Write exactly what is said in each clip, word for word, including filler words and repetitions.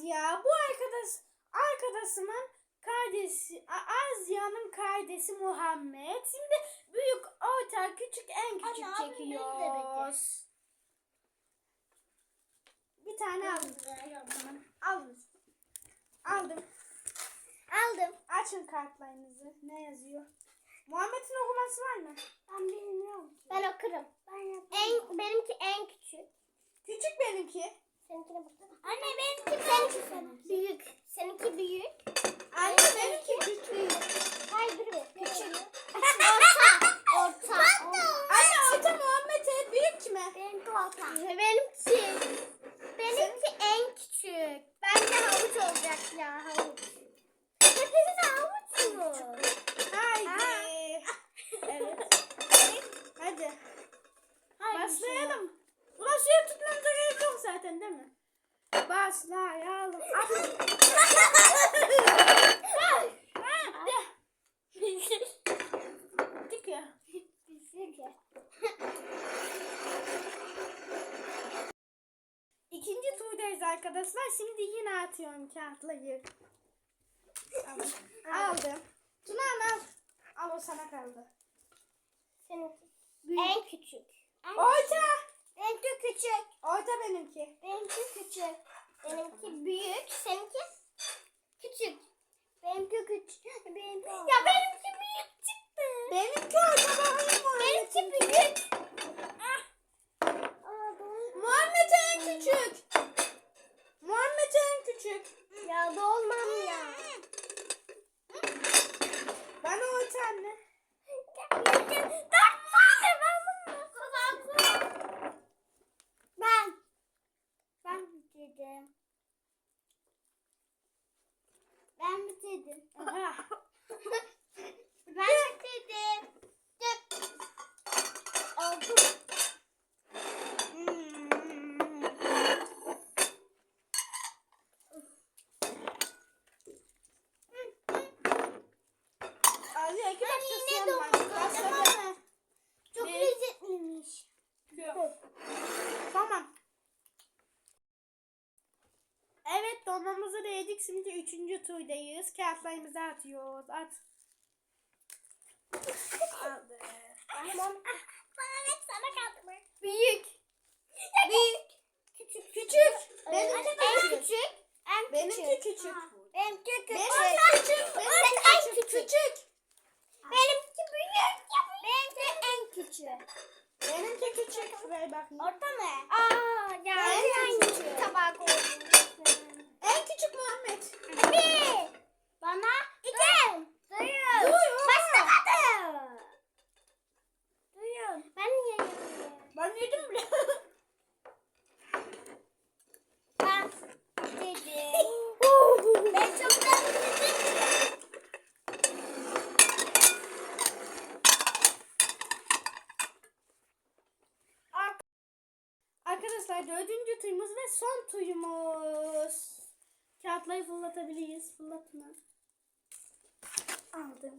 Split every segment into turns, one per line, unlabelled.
ya. Bu arkadaş arkadaşımın kardeşi Azya'nın kardeşi Muhammed. Şimdi büyük, orta, küçük, en küçük
Anne,
çekiyoruz. Bir tane aldım. Aldım. Aldım.
Aldım.
Açın kartlarınızı. Ne yazıyor? Muhammed'in okuması var mı?
Ben bilmiyorum. Ben okurum. Ben en, benimki en küçük.
Küçük benimki.
Seninkine bakalım. Anne benimki seninki seninki. Büyük. Seninki büyük.
Anne benimki küçük.
Hayır dur bir. Küçük. Orta. Orta.
Anne orta Muhammed'e, büyük kime?
Benimki orta. Benimki. Benimki en küçük. Bence havuç olacak ya havuç. Hepiniz havuç mu?
Haydi. Evet. Hadi. Başlayalım. Ulan suya tutmamıza gerek yok zaten değil mi? Başlayalım. Dik ya. İkinci turdayız arkadaşlar. Şimdi yine atıyorum kağıtları. Aldım. Aldım. Tuna al. Al, o sana kaldı.
Seninki.
Büyük.
En küçük.
Orta.
Benimki küçük.
Orta benimki.
Benimki küçük. Benimki büyük. Seninki küçük. Benimki küçük. Benimki ya benimki büyük çıktı.
Benimki orta, bakayım Muhammed'in.
Benimki büyük.
Ah.
Aa, doğru.
Muhammed en küçük. Muhammed en küçük.
Ya dolmam ya.
Bana orta anne.
Ben. Ben bitirdim. Ben bitirdim.
Aha.
Ben bitirdim. Oldu.
Abi iki
Ben
dakika
yine
suyum var.
doldurdum.
Başladı.
Çok
Bir-
lezzetliymiş.
Tamam. Evet, donmamızı da yedik. Şimdi üçüncü turdayız. Kağıtlarımızı atıyoruz. At. Aldı.
Tamam. Bana ne sana kaldı mı?
Büyük.
Büyük. Küçük.
Küçük.
Benim
Benimki
en
küçük.
küçük. En
Benimki küçük.
Benimki küçük.
Benimki küçük.
Benimki
Benimki
en
küçük.
küçük.
Küçük.
Benimki büyük. Benimki en küçük.
Benimki küçük. Ver bakayım.
Orta mı? Aa ya.
En
En
küçük.
küçük. Tabak oldu.
En küçük Muhammed.
Bir. Bana iki. Duyun.
Duyun.
Başlamadı. Duyun. Ben niye yedim?
Ben yedim bile.
Ben dedim. Ben çoktan bitirdim.
Arkadaşlar dördüncü tuyumuz ve son tuyumuz. Kağıtları fırlatabiliriz. Fırlatma. Aldım.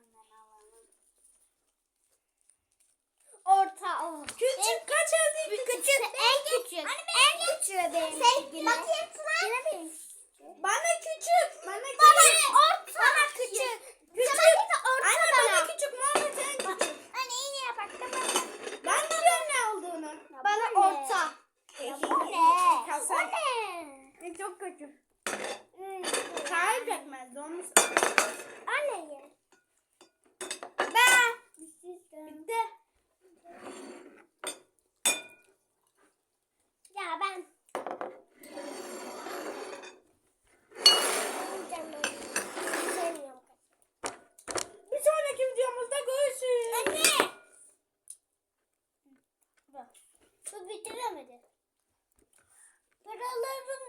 Orta. Oh.
Küçük kaç elde?
Küçük. En küçük. En küçüğü benim. Sen bakayım Tuna. Yine benim.
Bana küçük. Bana küçük.
Bana orta. Bana küçük.
Küçük.
Orta
Anne
bana.
bana küçük. Muhammed en küçük.
Anne yine yapak.
Ben biliyorum ne olduğunu.
Bana orta.
Ya
bu ne?
Kasa.
O ne?
E, çok kötü. Tarif etmez. Donmuş.
Anne ye.
Ben. Bitti.
Ya ben.
Bir sonraki videomuzda görüşürüz.
Anne. Bu bitiremedi. Paralarım